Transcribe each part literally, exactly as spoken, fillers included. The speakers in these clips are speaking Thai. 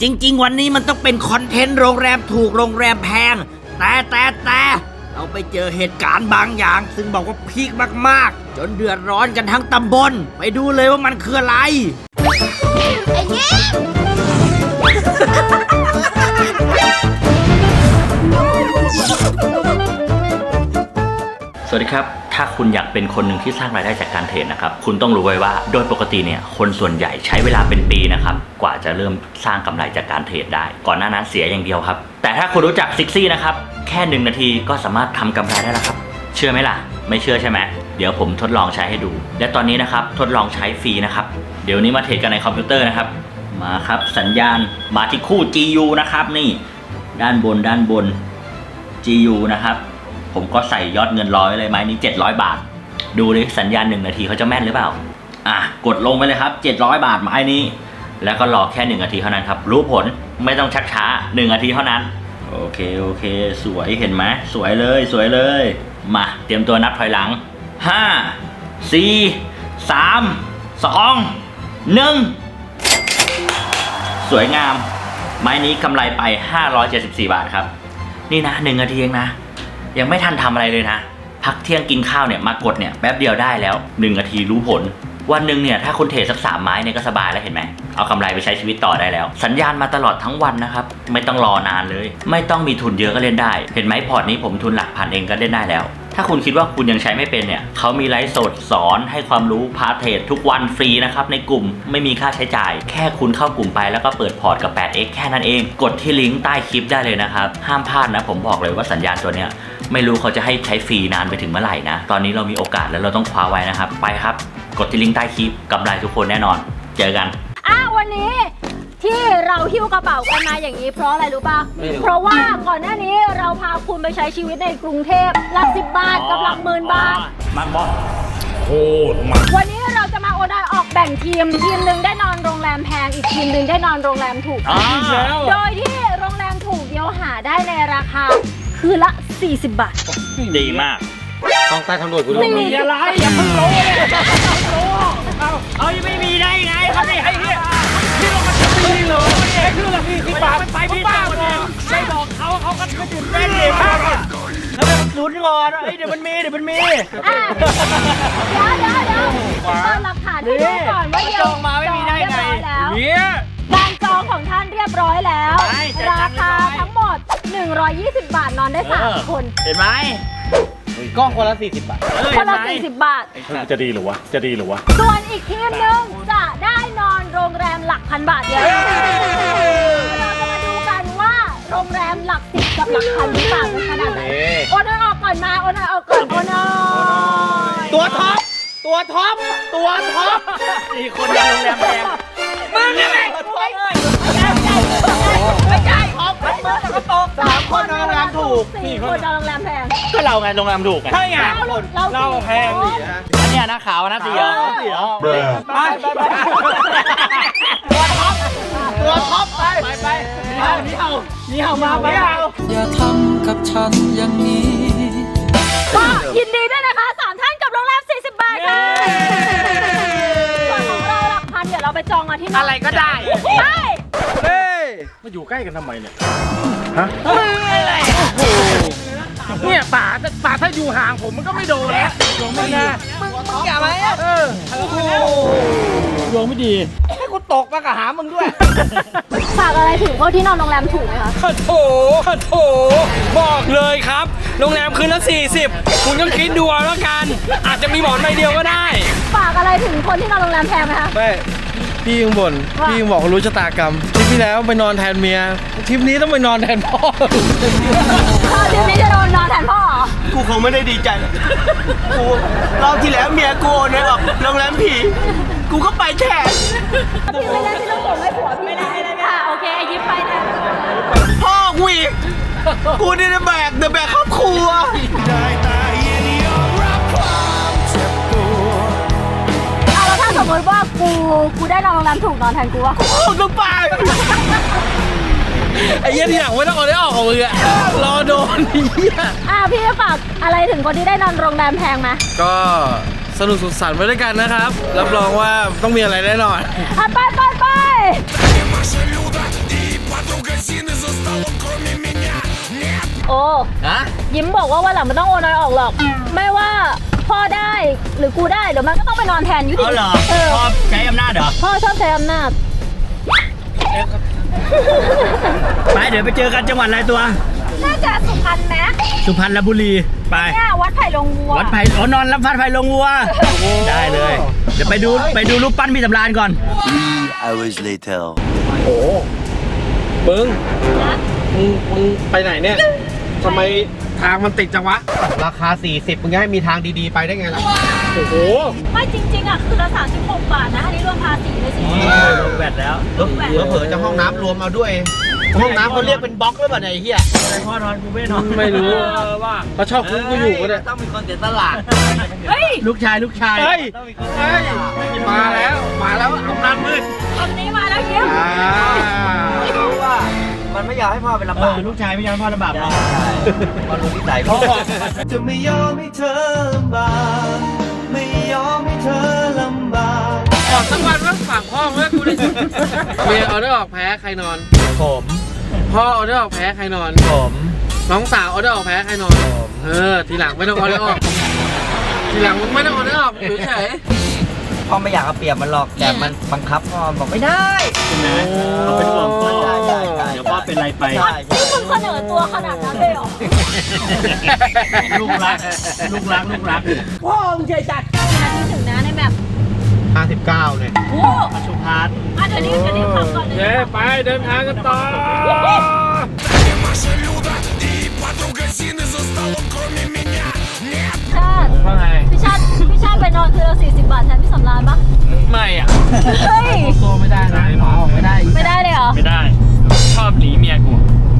จริงๆวันนี้มันต้องเป็นคอนเทนต์โรงแรมถูกโรงแรมแพงแต่แต่แต่เราไปเจอเหตุการณ์บางอย่างซึ่งบอกว่าพีคมากๆจนเดือดร้อนกันทั้งตำบลไปดูเลยว่ามันคืออะไรไอ้เงี้ยสวัสดีครับถ้าคุณอยากเป็นคนหนึ่งที่สร้างรายได้จากการเทรดนะครับคุณต้องรู้ไว้ว่าโดยปกติเนี่ยคนส่วนใหญ่ใช้เวลาเป็นปีนะครับกว่าจะเริ่มสร้างกำไรจากการเทรดได้ก่อนหน้านั้นเสียอย่างเดียวครับแต่ถ้าคุณรู้จักซิกซี่นะครับแค่หนึ่งนาทีก็สามารถทำกำไรได้แล้วครับเชื่อไหมล่ะไม่เชื่อใช่ไหมเดี๋ยวผมทดลองใช้ให้ดูและตอนนี้นะครับทดลองใช้ฟรีนะครับเดี๋ยวนี้มาเทรดกันในคอมพิวเตอร์นะครับมาครับสัญญาณมาที่คู่ จี ยู นะครับนี่ด้านบนด้านบน จี ยู นะครับผมก็ใส่ยอดเงินร้อยเลยไม้นี้เจ็ดร้อยบาทดูดิสัญญาณหนึ่งนาทีเขาจะแม่นหรือเปล่าอ่ะกดลงไปเลยครับเจ็ดร้อยบาทไม้นี้แล้วก็รอแค่หนึ่งนาทีเท่านั้นครับรู้ผลไม่ต้องชักช้าหนึ่งนาทีเท่านั้นโอเคโอเคสวยเห็นไหมสวยเลยสวยเลยมาเตรียมตัวนับถอยหลังห้า สี่ สาม สอง หนึ่งสวยงามไม้นี้กำไรไปห้าร้อยเจ็ดสิบสี่บาทครับนี่นะหนึ่งนาทีเองนะยังไม่ทันทำอะไรเลยนะพักเที่ยงกินข้าวเนี่ยมากดเนี่ยแป๊บเดียวได้แล้วหนึ่งนาทีรู้ผลวันหนึ่งเนี่ยถ้าคุณเทรดสักสามไม้เนี่ยก็สบายแล้วเห็นไหมเอากำไรไปใช้ชีวิตต่อได้แล้วสัญญาณมาตลอดทั้งวันนะครับไม่ต้องรอนานเลยไม่ต้องมีทุนเยอะก็เล่นได้เห็นไหมพอร์ตนี้ผมทุนหลักพันเองก็เล่นได้แล้วถ้าคุณคิดว่าคุณยังใช้ไม่เป็นเนี่ยเขามีไลฟ์สดสอนให้ความรู้พาเทรดทุกวันฟรีนะครับในกลุ่มไม่มีค่าใช้จ่ายแค่คุณเข้ากลุ่มไปแล้วก็เปิดพอร์ตกับ แปดเอ็กซ์ แค่นั้นเองกดที่ลิงก์ใต้คลิปได้เลยนะครับห้ามพลาดนะผมบอกเลยว่าสัญญาณตัวเนี้ยไม่รู้เขาจะให้ใช้ฟรีนานไปถึงเมื่อไหร่นะตอนนี้เรามีโอกาสแล้วเราต้องคว้าไว้นะครับไปครับกดที่ลิงก์ใต้คลิปกำไรทุกคนแน่นอนเจอกันอ่ะวันนี้ที่เราหิ้วกระเป๋ากันมาอย่างนี้เพราะอะไรรู้ป่ะเพราะว่าก่อนหน้านี้เราพาคุณไปใช้ชีวิตในกรุงเทพหลักสิบบาทกับหลักหมื่นบาทมันบอสโคตรมันวันนี้เราจะมาโอดายออกแบ่งทีมทีมหนึ่งได้นอนโรงแรมแพงอีกทีมหนึ่งได้นอนโรงแรมถูกโดยที่โรงแรมถูกเดียวหาได้ในราคาคืนละสี่สิบบาทดีมากต้องใต้ทางด่วนคุณมีอะไรอย่าเพิ่งรู้เลยเอาเอายังไม่มีได้ไงเขาไม่ให้เนี่ยที่เรามันจะมีเลยไอ้คือละพี่ที่ปากไปพี่บ้าเลยไม่บอกเขาเขาก็ไม่ตื่นเต้นเลยมากแล้วแบบลุ้นงอนไอ้เดี๋ยวมันมีเดี๋ยวมันมีเดี๋ยวเดี๋ยวเดี๋ยวเปิดหลักฐานให้ดูก่อนว่าเดี๋ยวจองมาไม่มีได้ไงเนี่ยการจองของท่านเรียบร้อยแล้วราคาทั้งหมดหนึ่งร้อยยี่สิบบาทนอนได้สามคนเห็นไหมก็คนละสี่สิบบาทคนละสี่สิบบาทจะดีหรือวะจะดีหรือวะส่วนอีกทีมหนึ่งจะได้นอนโรงแรมหลักพันบาทเดียวเราจะมาดูกันว่าโรงแรมหลักสิบกับหลักพันที่ต่างกันขนาดไหนโอนออกก่อนมาโอนออกก่อนโอนอตัวท็อปตัวท็อปตัวท็อปสี่คนในโรงแรมแพงมึงอะไรไม่ใช่ไม่ใช่ออกมันเมื่อก็ตกสามคนนอนโรงแรมถูกสี่คนนอนโรงแรมแพงก็เราไงโรงแรมถูกไงใช่ไงเราแพงดิอันนี้นะขาวนะสีเหรอสีเหรอไปไปไปตัวท็อปตัวท็อปไปไปไปนี่เอานี่เอามาไปเอาอย่าทำกับฉันอย่างนี้ก็ยินดีด้วยนะคะสามท่านกับโรงแรมสี่สิบบาทค่ะส่วนของเราหลักพันเดี๋ยวเราไปจองกันที่อะไรก็ได้ใช่เฮ้ยมาอยู่ใกล้กันทำไมเนี่ยฮะอะไรเนี่ยป่าป่าถ้าอยู่ห่างผมมันก็ไม่โดนแล้วดวงไม่ดีมึงมึงอย่ามาเออโอ้โหดวงไม่ดีให้กูตกมากับหามึงด้วยฝากอะไรถึงพวกที่นอนโรงแรมถูกไหมคะโถโถบอกเลยครับโรงแรมคืนละสี่สิบคุณก็คิดดูแล้วกันอาจจะมีหมอนใบเดียวก็ได้ฝากอะไรถึงคนที่นอนโรงแรมแพงไหมคะไม่พี่ยังบ่นพี่ยังบอกรู้ชะตากรรมทริปที่แล้วไปนอนแทนเมียทริปนี้ต้องไปนอนแทนพ่อทริปนี้จะโดนนอนแทนพ่อเหรอกูคงไม่ได้ดีใจกูรอบที่แล้วเมียกูเนี่ยออกโรงแรมผีกูก็ไปแทนพี่ไม่ได้ที่ต้องส่งให้ผัวพี่ไม่ได้เลยค่ะโอเคยิ้มไปแทนพ่อกูอีกกูนี่แบกเดอะแบกครอบครัวสมมติว่ากูกูได้นอนโรงแรมถูกนอนแทนกูวะกูต้องไปไอ้เหี้ยที่หลังไม่ต้องเอาได้ออกของมึงอะรอโดนไอ้เหี้ยอ่ะพี่ฝากอะไรถึงคนที่ได้นอนโรงแรมแพงไหมก็สนุกสุขสันต์ไปด้วยกันนะครับรับรองว่าต้องมีอะไรแน่นอนไปไปไปฮะยิ้มบอกว่าวันหลังไม่ต้องโอนอยออกหรอก ไม่ว่าพ่อได้หรือกูได้เดี๋ยวมันก็ต้องไปนอนแทนอยู่ดีเอาเหรอเออชอบใช้อำนาจเหรอพ่อชอบใช้อำนาจไปเดี๋ยวไปเจอกันจังหวัดอะไรตัวน่าจะสุพรรณไหมสุพรรณบุรีไปเนี่ยวัดไผ่ลงวัววัดไผ่อ๋อนอนรับฟัดไผ่ลงวัว ได้เลย เดี๋ยวไปดูไปดูรูปปั้นพี่สำราญก่อน Three hours later. โอ้มึงนะมึงมึงไปไหนเนี่ยทำไมทางมันติดจังวะราคาสี่สิบมึงจะให้มีทางดีๆไปได้ไงล่ะโอ้โหไม่จริงๆอ่ะคือละสามสิบหกบาทนะอันนี้รวมภาษีเลยสิลงแบตแล้วเผลอๆจะห้องน้ำรวมเอาด้วย ห้องน้ำเขาเรียกเป็นบล็อกหรือเปล่าเนี่ยไอ้เหี้ยอะไรพ่อนอนกูไม่นอนไม่รู้ว่าเขาชอบคุ้มกูอยู่ก็ได้ต้องมีคนเสียสละเฮ้ยลูกชายลูกชายเฮ้ยต้องมีคนเฮ้ยมาแล้วมาแล้วอำนาจมืดตอนนี้มาแล้วยิ้มอ่ารู้ว่ามันไม่อยากให้พ่อเป็นลำากเอบอลูกชายไม่ยอมพ่อลำบากหรอกมันรู้นิสัยพ่อจะไม่ยอมให้เธอลำบากไม่ยอมให้เธอลำบากออกสักวันว่าฝากพ่อเมื่อกูดิเมียเอาได้ออกแพ้ใครนอนผมพ่อเอาได้ออกแพ้ใครนอนผมน้องสาวเอาได้ออกแพ้ใครนอนเออทีหลังไม่ต้องเอาได้ออกทีหลังมึงไม่ต้องเอาได้ออกอยู่เฉยพ่อไม่อยากเอาเปรียบมันหรอกแต่มันบังคับพ่อบอกไม่ได้นะเขาเป็นห่วงพ่อใช่ใช่ใช่เดี๋ยวพ่อเป็นไรไปใช่นี่คุณเสนอตัวขนาดนั้นเลยเหรอลูกรัก ลูกรัก ลูกรักพ่อมึงใจจัดนาทีถึงนะในแบบห้าสิบเก้าเนี่ยโอ้สุพรรณอ่ะเดี๋ยวนี้เดี๋ยวนี้ขับก่อนเลยเย้ไปเดินทางกันต่อชาติว่าไงพี่ชาติพี่ชาติไปนอนคืนละสี่สิบบาทแทนพี่สำราญปะไม่อ่ะเฮ้ยโซไม่ได้นะหมอไม่ได้ไม่ได้เลยเหรอไม่ได้ ชอบหนีเมียกู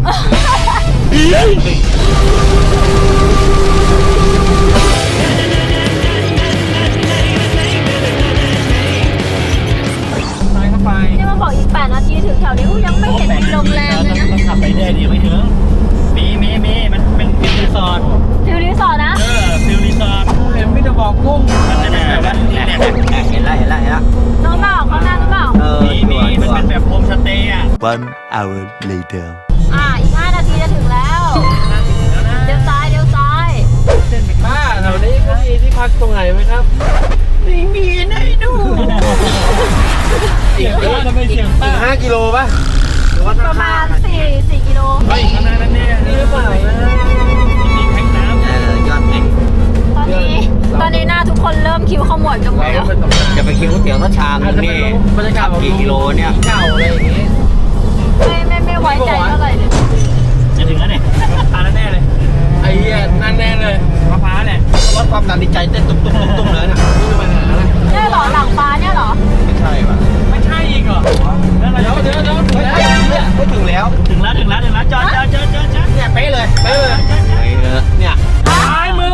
ไปเข้าไปนี่มาบอกอีกแปดนาทีถึงแถวนี้อุ๊ยยังไม่เห็นมีโรงแรมเลยนะต้องขับไปเรื่อยเดี๋ยวไม่ถึง มีมีมีมันเป็นฟิลรีสอร์ทฟิวรีสอร์ทนะเออฟิลรีสอร์ทเห็นไม่จะบอกกุ้งมันจะเป็นแบบว่าเนี่ยเนี่ยเนี่ยเห็นแล้วเห็นแล้วเห็นแล้วน้องเปล่าเขาหน้าหรือเปล่าเออมีมีมันเป็นแบบโฮมสเตย์อ่ะ One hour later. อ่าอีกห้านาทีจะถึงแล้วเดี๋ยวซ้ายเดี๋ยวซ้ายป้าแถวนี้เขามีที่พักตรงไหนไหมครับไม่มีนะดูอีกเออทำไมเสียงอีกห้ากิโลป่ะประมาณสี่สี่กิโลเฮ้ยขนาดนั้นเนี่ยนี่หรือเปล่านะมีแทงน้ำเออยอดแม่งตอนนี้ตอนนี้หน้าทุกคนเริ่มคิวขมวดกันหมดแล้วจะไปกินก๋วยเตี๋ยวสักชามนึงนี่บรรยากาศกี่กิโลเนี่ยเก่าอะไรอย่างงี้ไม่ไม่ไม่ไว้ใจเท่าไหร่เลยจะถึงแล้วเนี่ยพาแล้วแน่เลยไอ้เหี้ยนั่นแน่เลยมะพร้าวเนี่ยลดความดันในใจเต้นตุ้มตุ้มตุ้มตุ้มเลยน่ะนี่จะมาหาอะไรเนี่ยเหรอหลังฟ้าเนี่ยเหรอไม่ใช่ป่ะไม่ใช่อีกเหรอแล้วเราเดี๋ยวเดี๋ยวเดี๋ยวเฮ้ยเนี่ยไม่ถึงแล้วถึงแล้วถึงแล้วถึงแล้วจอดจอดจอดจอดจอดเนี่ยเป๊ะเลยไปเลยเฮ้ยเนี่ยซ้ายมือ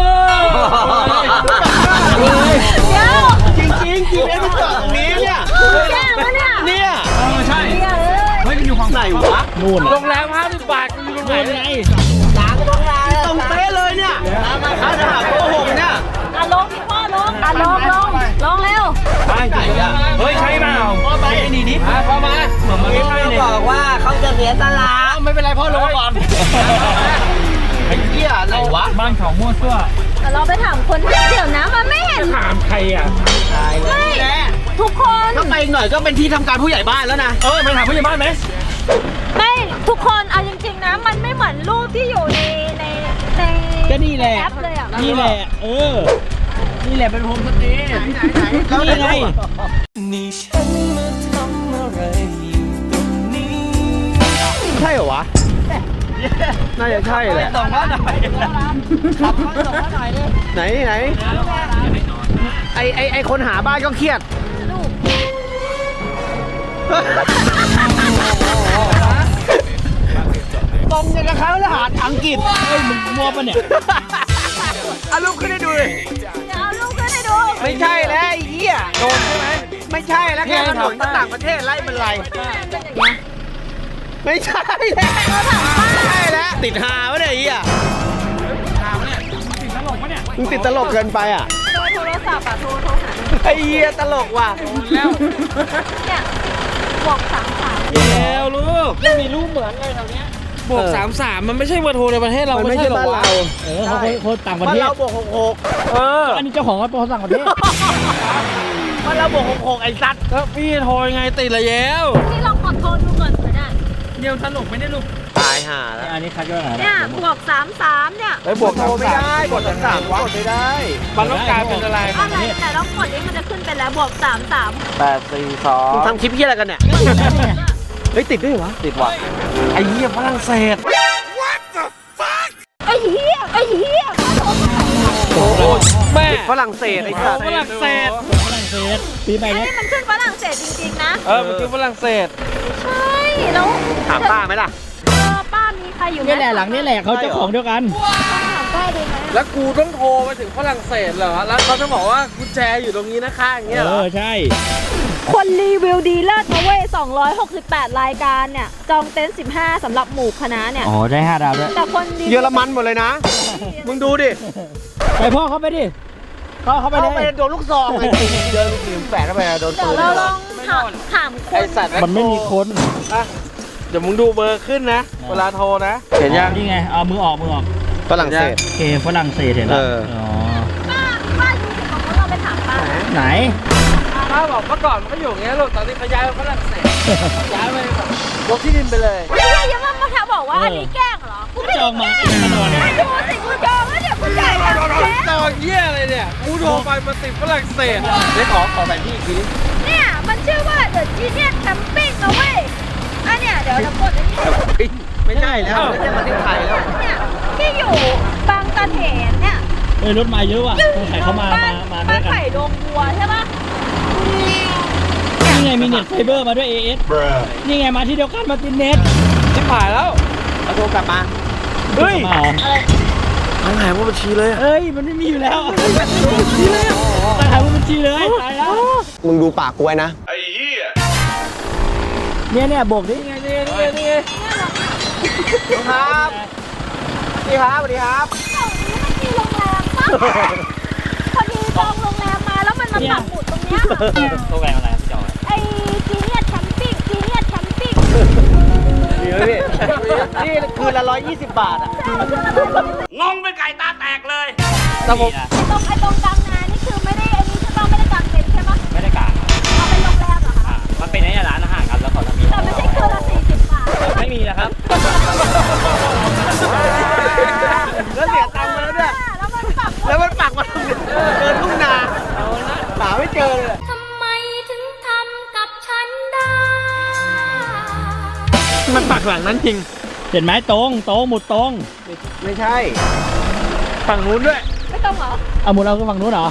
เดี๋ยวจริงจริงจริงแล้วมันจอดตรงนี้เนี่ยแย่แล้วเนี่ยเนี่ยเออใช่เดี๋ยวเลยเฮ้ยมันอยู่ของไหนวะนู่นโรงแรมห้าสิบบาทกูอยู่ตรงไหนนู่นเนี่ยไงตรงเป๊ะเลยเนี่ยถ้าจะหาโกหกเนี่ยอ่ะลงพี่พ่อลงอ่ะลงลงลงเร็วไปไหนอ่ะเฮ้ยใช่เปล่าไปนี่ดิมาพอมาเหมือนมันไม่ใช่เลยบอกว่าเขาจะเสียสละไม่เป็นไรพ่อลงมาก่อนไอ้เหี้ยไหนวะบ้านเขามั่วซั่วแต่เราไปถามคนเดี๋ยวนะมันไม่เห็นถามใครอ่ะตายเลยไม่แหละทุกคนถ้าไปอีกหน่อยก็เป็นที่ทำการผู้ใหญ่บ้านแล้วนะเออไปถามผู้ใหญ่บ้านไหมไม่ทุกคนเอาจริงๆนะ มันไม่เหมือนรูปที่อยู่ในในในก็นี่แหละแอปเลยอ่ะนี่แหละ เออ นี่แหละเป็นโฮมสเตย์นี่ไงนี่ฉันมาทำอะไรอยู่ตรงนี้ใช่เหรอวะ น่าจะใช่แหละส่งมาหน่อยขับมาส่งมาหน่อยดิไหนไหนไอไอไอคนหาบ้านก็เครียดลูกตรงอย่างกับเขาทหารอังกฤษเฮ้ยมึงมั่วปะเนี่ยเอารูปขึ้นให้ดูเลยเดี๋ยวเอาลูกขึ้นให้ดูไม่ใช่แล้วไอ้เหี้ยโดนใช่ไหมไม่ใช่แล้วแค่ถนนต่างประเทศไล่มันไรเป็นอย่างเงี้ยไม่ใช่แล้วไม่ใช่แล้วติดหาวะเนี่ยไอ้เหี้ยมึงติดตลกเกินไปอ่ะโทรโทรศัพท์อ่ะโทรโทรหาไอ้เหี้ยตลกว่ะแล้วเนี่ยบอกสามสามแล้วลูกไม่มีรูปเหมือนเลยแถวเนี้ยบวกสามสามมันไม่ใช่เบอร์โทรในประเทศเรามันไม่ใช่บ้านเราเออเขาคนคนต่างประเทศบ้านเราบวกหกหกเอออันนี้เจ้าของเขาเป็นคนต่างประเทศบ้านเราบวกหกหกไอ้สัตว์แล้วพี่โทรยังไงติดละแล้วนี่ลองกดโทรดูก่อนก็ได้เดี๋ยวสนุกไม่ได้ลูกตายห่าแล้วอันนี้คัดย่อยอะไรเนี่ยบวกสามสามเนี่ยไปบวกโทรไม่ได้กดสามสามกดไม่ได้มันต้องการเป็นอะไรอะไรแต่ต้องกดนี้มันจะขึ้นเป็นแล้วบวกสามสามแปดสี่สองมึงทำคลิปเฮียอะไรกันเนี่ย เฮ้ยติดด้วยเหรอติดว่ะไอ้เหี้ยฝรั่งเศสไอ้เหี้ยไอ้เหี้ยโอ้แม่ฝรั่งเศสไอ้สัตว์ฝรั่งเศสฝรั่งเศสปีใหม่อันเนี้ยนี้มันขึ้นฝรั่งเศสจริงๆนะเออมันคือฝรั่งเศสใช่แล้วถามป้าไหมล่ะเออป้ามีใครอยู่ไหมนี่แหละหลังนี่แหละเขาเจ้าของเดียวกันต้องถามป้าดูไหมแล้วกูต้องโทรไปถึงฝรั่งเศสเหรอแล้วเขาจะบอกว่ากุญแจอยู่ตรงนี้นะคะอย่างเงี้ยเอเหรออใช่คนรีวิวดีเลิศนะเว้ยสองร้อยหกสิบแปดรายการเนี่ยจองเต็นท์สิบห้าสำหรับหมู่คณะเนี่ยอ๋อได้ห้าดาวด้วยแต่คนรีวิวเยอรมันหมดเลยนะ มึงดูดิไปพ่อเขาไปดิพ่อเขาไปเลเข้าไปยโดนลูกซองเลยเดินลูกหลิมแปะเข้าไปโดนเดี๋ปืยวน เราลองถามถามคไอน สัตว์มันไม่มีคนอ่ะเดี๋ยวมึงดูเบอร์ขึ้นนะ เวลาโทรนะ เห็นยังนี่ไงเอามือออกมือออกฝรั่งเศสโอเคฝรั่งเศสเห็นแล้วเอออ๋อป้าป้าดูสิของเราไปถามป้าไหนป้าบอกเมื่อก่อนมันก็อยู่อย่างเงี้ยลูกตอนนี้เขาย้ายไปฝรั่งเศสย้ายไปแบบยกที่ดินไปเลยไม่ใช่ยังว่ามาถามบอกว่าอันนี้แกล้งเหรอกูไม่จองมาเองมาตอนนี้ดูสิกูจองแล้วเนี่ยกูจ่ายตังค์แล้วตอนเยี่ยอะไรเนี่ย กูโทรไปมาติดฝรั่งเศสได้ขอขอแผนที่อีกทีนี้เนี่ยมันชื่อว่า The Genius Camping นะเว้ยอันเนี่ยเดี๋ยวเรากดอันนี้ไม่ใช่แล้วไม่ใช่ประเทศไทยแล้วเนี่ยที่อยู่บางตะเถนเนี่ยเอ้ยรถมาเยอะว่ะสงสัยเขามาบ้มามาด้บ้าวน ยกันไผ่ดงบัวใช่ปะนี่ไงมีเน็ตไฟเบอร์มาด้วย เอ เอส นี่ไงมาที่เดียวกันมาตินเน็ตชิบหายแล้วเอาโทรกลับมาเฮ้ยมาเหรอทั้งหายว่าบัญชีเลยเอ้ยมันไม่มีอยู่แล้วตั้งหาบัญชีเลยตายแล้วมึงดูปากกูไว้นะเนี่ยเนี่ยโบกดินี่ไงนี่ไงนี่ไงครับสวัสดีครับสวัสดีครับแถวนี้มันมีโรงแรมปะพอดีจองโรงแรมมาแล้วมันมาปักหมุดตรงเนี้ยโรงแรมอะไรพี่จอยไอ้จีเนียสแคมปิ้งจีเนียสแคมปิ้งดีไหมพี่นี่คืนละร้อยยี่สิบบาทอ่ะงงเป็นไก่ตาแตกเลยแต่ผมไอ้ตรงไอ้ตรงกลางนานี่คือไม่ได้ไอ้นี่ใช่ปะไม่ได้กางเต็นท์ใช่ปะไม่ได้กะเอาเป็นโรงแรมเหรอคะมันเป็นไอ้ร้านอาหารครับแล้วเขาจะมีแต่ไม่ใช่คืนละสี่สิบบาทไม่มีนะครับแล้วเสียตังค์มาแล้วเนี่ยแล้วมันปักหมุดแล้วมันปักมาตรงนี้เดินทุ่งนาหาไม่เจอเลยทำไมถึงทำกับฉันได้มันปักหลังนั้นจริงเห็นไหมตรงตรงหมุดตรงไม่ใช่ฝั่งนู้นด้วยไม่ต้องเหรอเอาหมุดเราก็ฝั่งนู้นเหรอ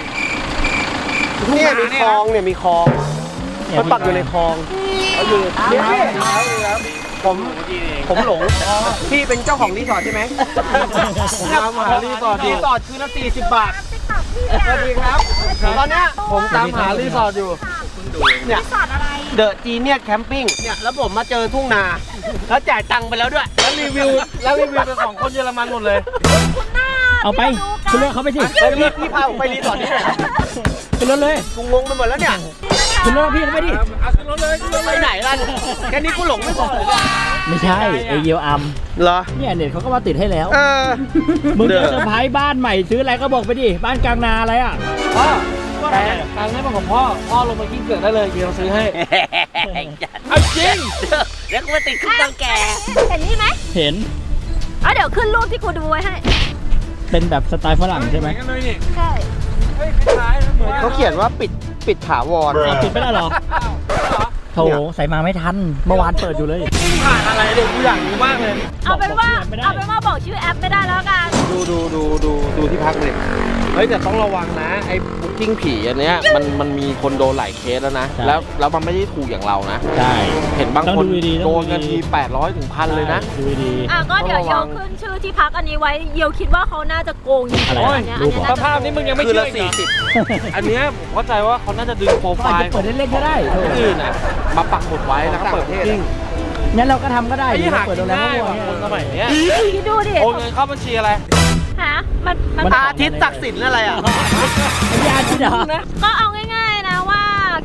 เนี่ยมีคลองเนี่ยมีคลองมันปักอยู่ในคลองเอาอยู่เนี่ยพี่ผมผมหลงพี่เป็นเจ้าของรีสอร์ทใช่ไหมตามหารีสอร์ทอยู่รีสอร์ทคืนละสี่สิบบาทติ๊กต็อกพี่สวัสดีครับตอนเนี้ยผมตามหารีสอร์ทอยู่เนี่ยสอดอะไรเดอะจีเนียสแคมปิ้งเนี่ยแล้วผมมาเจอทุ่งนา แล้วจ่ายตังค์ไปแล้วด้วยแล้วรีวิวแล้วรีวิวเป็นของคนเยอรมันหมดเลยคุณหน้าเอาไปคุณเลือกเขาไปสิไปพี่พี่พาผมไปรีสอร์ทนี้หน่อยขึ้นรถเลยกูงงไปหมดแล้วเนี่ยขึ้นรถพี่เขาไปดิเอาขึ้นรถเลยขึ้นรถไปเลยไหนล่ะแค่นี้กูหลงไม่พอเลยเนี่ยไม่ใช่ไอเยียวอัมเหรอเนี่ยเน็ตเขาก็มาติดให้แล้วเออมึงเด้จะอเซอร์ไพรส์บ้านใหม่ซื้ออะไรก็บอกไปดิ บ้านกลางนาอะไรอ่ะพ่อแต่ตังค์ให้มาของพ่อ พ่อลงมากิ้งเกิดได้เลยเดี๋ยวเราซื้อให้ เอาจริงเดี๋ยวกูไปติดขึ้นตังแกเห็นนี่ไหมเห็นเอาเดี๋ยวขึ้นรูปที่กูดูไว้ให้เป็นแบบสไตล์ฝรั่งใช่ไหมเหอนกันเลยนี่ใช่เฮ้ยคล้ายๆเหมือนเขาเขียนว่าปิดปิดถาวรเอาปิดไม่ได้เหรอ โถใส่มาไม่ทัน เมื่อวานเปิดอยู่เลยผ่านอะไรเดี๋ยวกูอยากรู้มากเลยเอาเป็นว่าบอกชื่อแอปไม่ได้เอาเป็นว่าบอกชื่อแอปไม่ได้แล้วกันดูดูดูดูดูที่พักเลยเฮ้ยแต่ต้องระวังนะไอ้บุ๊กิ้งผีอันเนี้ยมันมันมีคนโดนหลายเคสแล้วนะใช่แล้วแล้วมันไม่ได้ถูกอย่างเรานะใช่เห็นบางต้องคนดูดีๆต้องโดดูนกันดีทีแปดร้อยถึงพันเลยนะดูดีอ่ะก็เดี๋ยวต้องระเยวัวงขึ้นชื่อที่พักอันนี้ไว้เยวคิดว่าเขาน่าจะโกงจริงๆอะไรอันเนี้ยอันเนี้ยรูปเหรอน่าจะภาพนี้มึงยังไม่คืนเชื่อละอีกเหรสี่อสิบอันเนี้ยผมเข้าใจว่าเขาน่าจะดึงโปรๆไฟเขาอาจล์จะเปิดเล่นๆก็ได้คนอื่นน่ะมาปักหมุดไว้แล้วก็เปิดบุ๊กิ้งงั้นเราก็ทำก็ได้ไอ้ที่หาเปิดกิโรนงแรมได้ก็ว่ะวคนสมัยเนี้ยคิดดูดิโอนเงินเข้าบัญชีอะไรหามันมันมันอาทิตย์ศักดิ์สินอะไรอ่ะไม่ยากที่เหรอก็เอาง่ายๆนะว่าค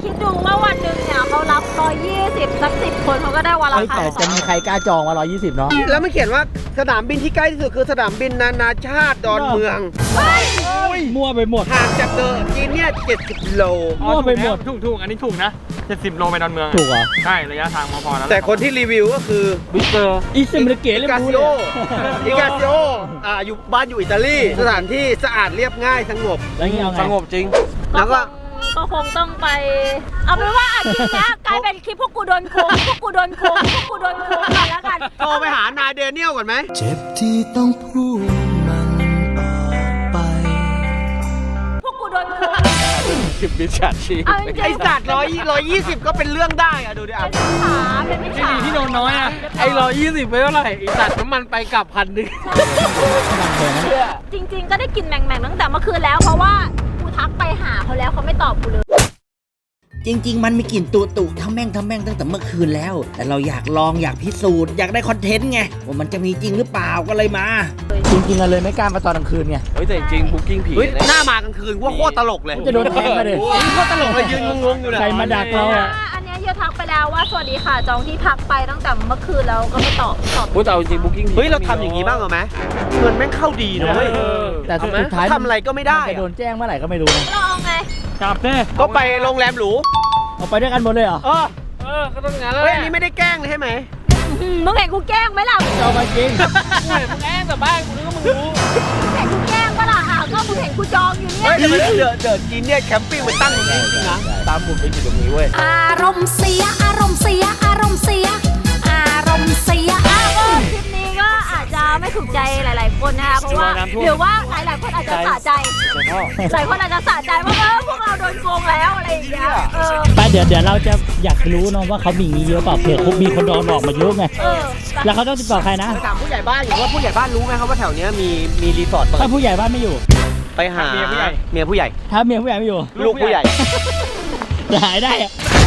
คิดดูว่าวันหนึ่งเนี่ยเขารับร้อยยี่สิบสักสิบคนเขาก็ได้วันละเฮ้ยพันแต่จะมีใครกล้าจองมาร้อยยี่สิบเนาะแล้วมันเขียนว่าสนามบินที่ใกล้ที่สุดคือสนามบินนานาชาติดอนเมืองมั่วไปหมดห่างจากเดอะจีนเนี่ยเจ็ดสิบโลมั่วไปหมดถูกถูกอันนี้ถูกนะเจ็ดสิบโลไปดอนเมืองถูกเหรอใช่ ระยะทางพอๆแล้วแต่คนที่รีวิวก็คือวิเตอร์อิสมิเกะเล่มการู้ซิเลโอย อิกาซิโออ่าอยู่บ้านอยู่อิตาลีสถานที่สะอาดเรียบง่ายสงบแล้วนี่เอาไงสงบจริง แล้วก็ก็คงต้องไป เอาเป็นว่าอาทิตย์นี้กลายเป็นคลิปพวกกูโดนโกงพวกกูโดนโกงพวกกูโดนโกงกันแล้วกันโทรไปหานายเดเนียลก่อนไหมเจ็บที่ต้องพูดมันออกไปพวกกูโดนโกงสิบมิจฉาชีพเอาจริงๆไอสัตว์ร้อยร้อยยี่สิบก็เป็นเรื่องได้อะดูดิอ่ะเป็นมิจฉาเป็นมิจฉาที่โดนน้อยอ่ะไอ้ร้อยยี่สิบไปเท่าไหร่ไอ้สัตว์น้ำมันไปกลับพันหนึ่งจริง ๆ ก็ได้กลินแหม่งๆตั้งแต่เมื่อคืนแล้วเพราะว่ากูทักไปหาเขาแล้วเขาไม่ตอบกูเลยจริง ๆ มันมีกลิ่นตุตุทำแม่งทำแม่งตั้งแต่เมื่อคืนแล้ว แต่เราอยากลองอยากพิสูจน์อยากได้คอนเทนต์ไงว่ามันจะมีจริงหรือเปล่าก็เลยมาจริงๆอะเลยไม่กล้ามาตอนกลางคืนไงเฮ้ยแต่จริงบุ๊กิ้งผีเฮ้ยหน้ามากลางคืนว่าโคตรตลกเลยจะโดนแทงมาดิโอ้ยโคตรตลกเลยยืนงงๆอยู่เลยใครมาดักเราอ่ะอันเนี้ยเยอะทักไปแล้วว่าสวัสดีค่ะจองที่พักไปตั้งแต่เมื่อคืนแล้วก็ไม่ตอบตอบพูดแต่จริงบุ๊กิ้งเฮ้ยเราทำอย่างนี้บ้างเหรอไหมเงินแม่งเข้าดีนะเว้ยแต่สุดท้ายทำอะไรก็ไม่ได้นจะโดนแจ้งเมื่อไหร่ก็ไม่รู้นะเราเอาไงจับเด้ก็ไปโรงแรมหรูเอาไปด้วยกันหมดเลยเหรอเออเออ ก็ต้องงานแล้วเฮ้ยอันนี้ไม่ได้แกล้งเลยใช่ไหมอืมมึงเห็นกูแกล้งไหมล่ะเอามาจริงมึงแอ้งแต่บ้านกูนึกว่ามึงรู้มึงเห็นกูแกล้งปะล่ะอ่ะก็มึงเห็นกูจองอยู่เนี่เฮ้ยยแต่ไม่ได้เดือดเดือดกินเนี่ยแคมปิ้งมันตั้งอย่างนี้จริงๆนะตามบุญไปอยู่ตรงนี้เว้ยอารมณ์เสีย อารมณ์เสีย อารมณ์เสีย อารมณ์เสียอ่ะก็คลิปนี้ก็อาจจะไม่ถูกใจหลาย ๆ คนนะคะเพราะว่าหรือว่าหลาย ๆ คนอาจจะสะใจหลายคนอาจจะสะใจว่าเออพวกเราโดนโกงแล้วอะไรอย่างเงี้ยเออไปเดี๋ยวเดี๋ยวเราจะอยากรู้เนาะว่าเขามีอย่างนี้เยอะเปล่าเผื่อมีคนโดนหลอกมาเยอะไงเออแล้วเขาต้องติดต่อใครนะไปถามผู้ใหญ่บ้านอยู่ว่าผู้ใหญ่บ้านรู้ไหมครับว่าแถวเนี้ยมีมีรีสอร์ทเปิดถ้าผู้ใหญ่บ้านไม่อยู่ไปหาเมียผู้ใหญ่เมียผู้ใหญ่ถ้าเมียผู้ใหญ่ไม่อยู่ลูกผู้ใหญ่จะหายได้อะ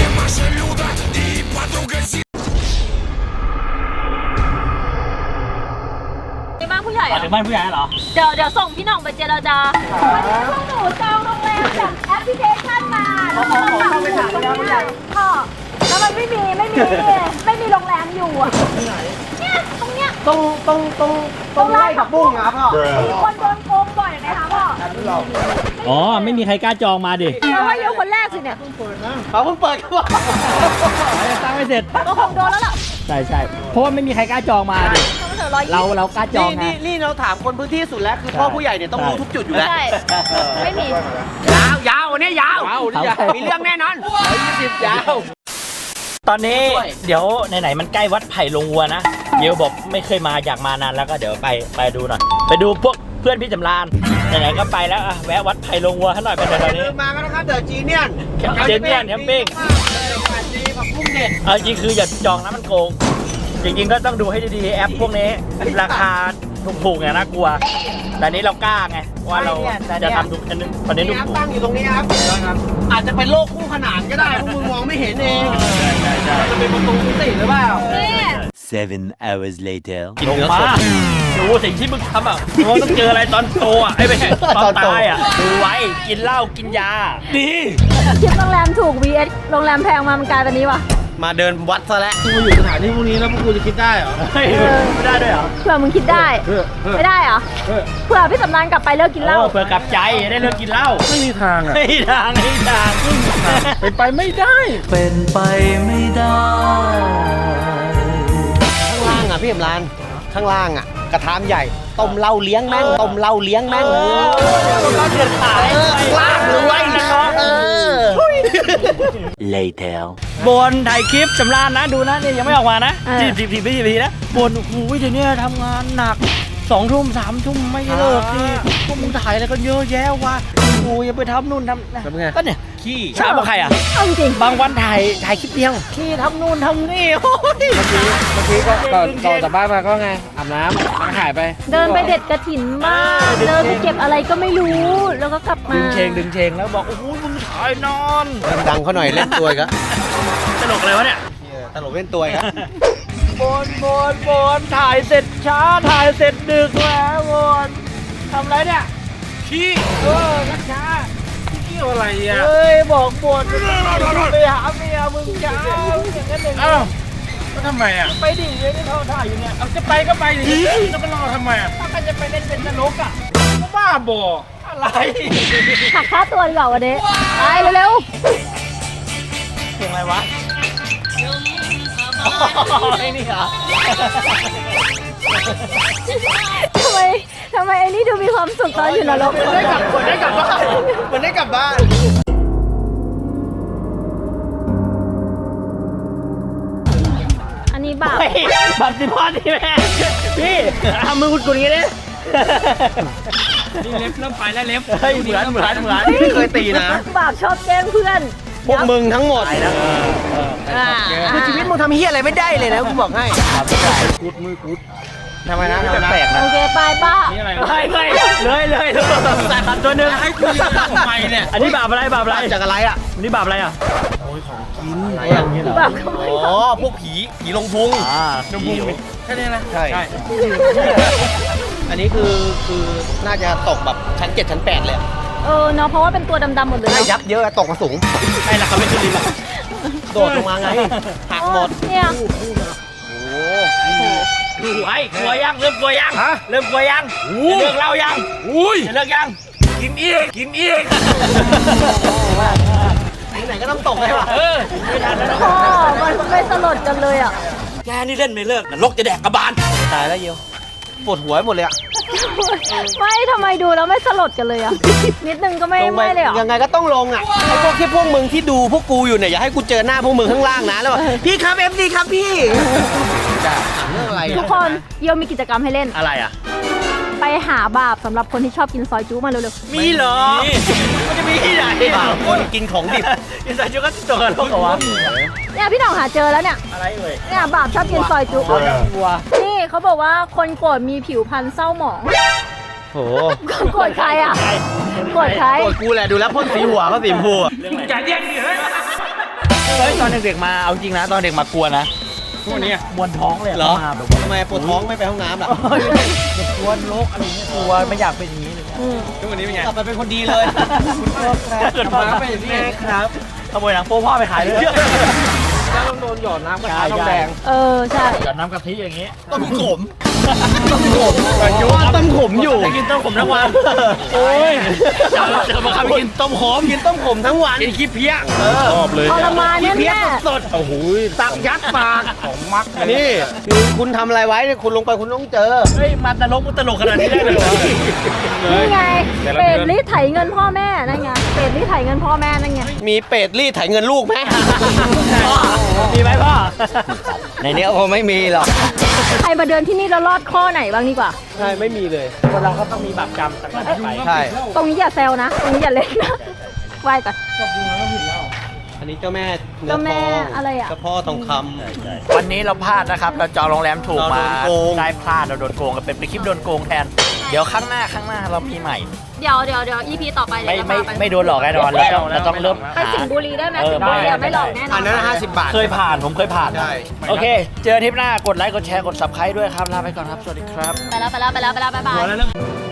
ในบ้านผู้ใหญ่อ๋ออะถึงบ้านผู้ใหญ่เหรอเดี๋ยวเดี๋ยวส่งพี่หน่องไปเจรจาวันนี้พวกหนูจองโรงแรมจากแอปพลิเคชันมาแล้วก็มาสั่งผู้ใหญ่พ่อแล้วมันไม่มีไม่มีไม่มีโรงแรมอยู่อ่ะเนี่ยตรงเนี้ยตรงตรงตรงตรงไร่ผักบุ้งนะครับพ่อมีคนโดนโกงบ่อยไหมคะพ่ออ๋อไม่มีใครกล้าจองมาดิเพราะว่าเยอะคนแรกสิเนี่ยเขาเพิ่งเปิดครับพ่อสร้างไม่เสร็จก็คงโดนแล้วล่ะใช่ใช่เพราะว่าไม่มีใครกล้าจองมาดิเขาไม่เถอะร้อยยี่เราสิบเรากล้าจองนี่ไงนี่นี่เราถามคนพื้นที่สุดแล้วคือพ่อผู้ใหญ่เนี่ยต้องรู้ทุกจุดอยู่แล้วใช่ไม่มียาวยาววันนี้ยาวเขามีเรื่องแน่นอนยี่สิบยาวตอนนี้เดี๋ยวไหนๆมันใกล้วัดไผ่ลงวัวนะเดี๋ยวบอกไม่เคยมาอยากมานานแล้วก็เดี๋ยวไปไปดูหน่อยไปดูพวกเพื่อนพี่จำรานไหนๆก็ไปแล้วอ่ะแวะวัดไผ่ลงวัวให้หน่อยเป็นไงตอนนี้มากันนะครับเดอะจีเนียนเจนเนียนแคมปิ้งดีผักบุ้งเด็ดเอาจริงคืออย่าจองนะมันโกง จริงๆก็ต้องดูให้ดีๆแอปพวกนี้ราคาถูกๆเนี่ยน่ากลัว แต่นี้เรากล้าไงว่าเราจะทำทุกอันนึงประเด็นนี่ทุกครับตั้งอยู่ตรงนี้ครับอาจจะเป็นโลกคู่ขนานก็ได้พวกมึงมองไม่เห็นเองจะเป็นประตูมิติหรือเปล่านี่ Seven hours later. กินเนื้อสดดูสิ่งที่มึงทำอ่ะมึงต้องเจออะไรตอนโตอ่ะไอ้ไม่ใช่ตอนตายอ่ะดูไว้กินเหล้ากินยาดีคลิปโรงแรมถูก วี เอส โรงแรมแพงมามันกลายเป็นนี้วะมาเดินวัดซะแล้วกูอยู่สถานที่พวกนี้แล้วพวกกูจะคิดได้เหรอเฮ้ยไม่ได้ด้วยเหรอเผื่อมึงคิดได้ ไม่ได้เหรอ เผื่อพี่สำรานกลับไปเลิกกินเหล้าเออเพื่อกลับใจได้เลิกกินเหล้าไม่มีทางอ่ะไม่ทางไม่ทางเป็นไปไม่ได้เป็นไปไม่ได้ข้างล่างอ่ะพี่เอ็มรานข้างล่างอ่ะ กระทามใหญ่ต้มเหล้าเลี้ยงแม่งต้มเหล้าเลี้ยงแม่งเราเดือดขายลากเลยไว้น้องเออ Later. บนถ่ายคลิปจำรานนะดูนะเนี่ยยังไม่ออกมานะเออสิบสิบสิบสิบทีนะบนโอ้โหเดี๋ยวนี้ทำงานหนักสองทุ่มสามทุ่มไม่เลิกดิพวกมึงถ่ายอะไรกันเยอะแยะวะกูยังไปทำนู่นทำนั่นก็เนี่ยขี้ถามว่าใครอ่ะเอาจริงบางวันถ่ายถ่ายคลิปเดียวขี้ทำนู่นทำนี่โอ้ยเมื่อกี้ก็ก่อนก่อนจากบ้านมาก็ไงอาบน้ำแล้วก็หายไปเดินไปเด็ดกระถินบ้างเดินไปเก็บอะไรก็ไม่รู้ แล้วก็กลับมาดึงเชงดึงเชงแล้วบอกโอ้โหมึงถ่ายนอนดังเขาหน่อยเล่นตัวก็ตลกเลยวะเนี่ยตลกเล่นตัวครับบนบนบนถ่ายเสร็จช้าถ่ายเสร็จดึกแล้วบนทำไรเนี่ยขี้เออช้าขี้เกียกี่ยวอะไรอ่ะเฮ้ยบอกบทไปหาเมียมึงจะเอาอย่างนั้นอย่างนี้อ้าวแล้วทำไมอ่ะไปดิยังไม่เข้าท่าอยู่เนี่ยเอาจะไปก็ไปดิจะไปรอทำไมอ่ะถ้าใครจะไปเล่นเป็นนรกอ่ะก็บ้าบออะไรหักค่าตัวดีกว่าวันนี้ไปเร็วเพลงอะไรวะไอ้นี่เหรอๆทำไมทำไมไอ้นี่ดูมีความสุขตอนอยู่นรกได้กลับเหมือนได้กลับบ้านเหมือนได้กลับบ้านอันนี้บาปบัตรสิพอดีแม่พี่ทำมือกุดกุดอย่างนี้ดินี่เล็บเริ่มไปแล้วเล็บเฮ้ยเหมือนเหมือนเหมือนไม่เคยตีนะบาปชอบแกล้งเพื่อนพวกมึงทั้งหมดอ่าคือชีวิตมึงทำเฮียอะไรไม่ได้เลยนะกูบอกให้กุดมือกุดทำไมนะแปลกๆนะโอเคไปป้านี่อะไรไม่ไม่เลยเลยใส่บัตรตัวหนึ่งให้กูยืนทำไมเนี่ยอันนี้บาปอะไรบาปอะไรจากอะไรอ่ะอันนี้บาปอะไรอ่ะบาปขโมยอ๋อพวกผีผีลงพุงอ่าน้ำพุงแค่นี้นะใช่อันนี้คือคือน่าจะตกแบบชั้นเจ็ดชั้นแปดเลยเออเนาะเพราะว่าเป็นตัวดำๆหมดเลยไม่เนาะยับเยอะตกมาสูงใช่ละครับไม่ขึ้นลิฟต์โดดลงมาไงหักหมดเนี่ยกลัวกลัวยังเริ่มกลัวยังเริ่มกลัวยังจะเลิกเล่ายังอุ้ยจะเลิกยังกินอีกกินอีกไหนก็ต้องตกเลยว่ะเออไม่ทันแล้วพ่อมันไม่สลดกันเลยอ่ะแกนี่เล่นไม่เลิกนรกจะแดกกระบาลตายแล้วเยียวปวดหัวหมดเลยอ่ะไม่ทำไมดูแล้วไม่สลดกันเลยอ่ะ นิดนึงก็ไม่ลงไปไม่เลยเหรอยังไงก็ต้องลงอ่ะไอ้พวกที่พวกมึงที่ดูพวกกูอยู่เนี่ยอย่าให้กูเจอหน้าพวกมึงข้างล่างนะแล้วบอกพี่ครับเอฟซีครับพี่จะเรื่องอะไรทุกคนเยียวมีกิจกรรมให้เล่นอะไรอ่ะไปหาบาปสำหรับคนที่ชอบกินซอยจุมาเร็วมีเหรอมันจะมีที่ไหนคนกินของดิบกินซอยจุก็ตกนรกเหรอวะๆเนี่ยพี่หน่องหาเจอแล้วเนี่ยอะไรเอ่ยเนี่ยบาปชอบกินซอยจุวัวนี่เขาบอกว่าคนโกรธมีผิวพรรณเศร้าหมองโหโกรธใครอ่ะโกรธใครโกรธกูแหละดูแล้วพ่นสีหัวก็สีชมพูอะอย่าแยกดิเฮ้ยเฮ้ยตอนเด็กๆมาเอาจริงนะตอนเด็กมากลัวนะพวกนี้มวนท้องเลยเหรอทำไมปวดท้องไม่ไปห้องน้ำล่ะกลัวโรคอะไรเงี้ยกลัวไม่อยากเป็นอย่างนี้เลยอืมทุกวันนี้เป็นไงกลับมาเป็นคนดีเลยคุณพ่อครับเกิดมาเป็นอย่างนี้ครับขโมยหนังโป๊พ่อไปขายเลยแล้วต้องโดนหยอดน้ำกระทะน้ำแดงเออใช่หยอดน้ำกะทิอย่างงี้ต้มขมต้มขมต้มขมอยู่กินต้มขมทั้งวันโอ้ยเจอมาครับกินต้มขมกินต้มขมทั้งวันกินขี้เพี้ยชอบเลยทรมานแน่เพี้ยแน่สดโอ้โหตักยัดปากของมักนี่คือคุณทำอะไรไว้เนี่ยคุณลงไปคุณต้องเจอเฮ้ยมันตลกมันตลกขนาดนี้ได้เลยเหรอนี่ไงเปรตรีดไถเงินพ่อแม่นั่นไงเปรตรีดไถเงินพ่อแม่นั่นไงมีเป็ดรีดไถเงินลูกไหมมีไหมพ่อในนี้คงไม่มีหรอกใครมาเดินที่นี่แล้วรอดข้อไหนบ้างดีกว่าใช่ไม่มีเลยคนเราก็ต้องมีบาปกรรมต่างๆไปใช่ตรงนี้อย่าแซวนะ ตรงนี้อย่าเล่นนะไหว้ก่อนอันนี้เจ้าแม่เนื้อเจ้าแม่ทองอะไรอะเจ้าพ่อทองคำวันนี้เราพลาดนะครับ เราจองโรงแรมถูกมาเราโดนโกงได้พลาดเราโดนโกงกันเป็นไปคลิปโดนโกงแทน เดี๋ยวข้างหน้าข้างหน้าเรามีใหม่เดี๋ยวเดี๋ยวเดี๋ยว อี พี ต่อไปไม่เดี๋ยวไม่เราพาปไม่โดนหลอกแน่นอนเราต้องเราต้องเริ่มไปหาสิงห์บุรีได้ไหมเออสิงห์บุรีได้อะไม่หลอกแน่นออันนนั้นห้าสิบบาทเคยผ่านผมเคยผ่านใช่โอเค เจอทริปหน้ากดไลค์กดแชร์กด ซับสไครบ์ด้วยครับลาไปก่อนครับ สวัสดีครับไปแล้วไปแล้วไปแล้วไปแล้วบ๊ายบายหัวแล้วเรื่อง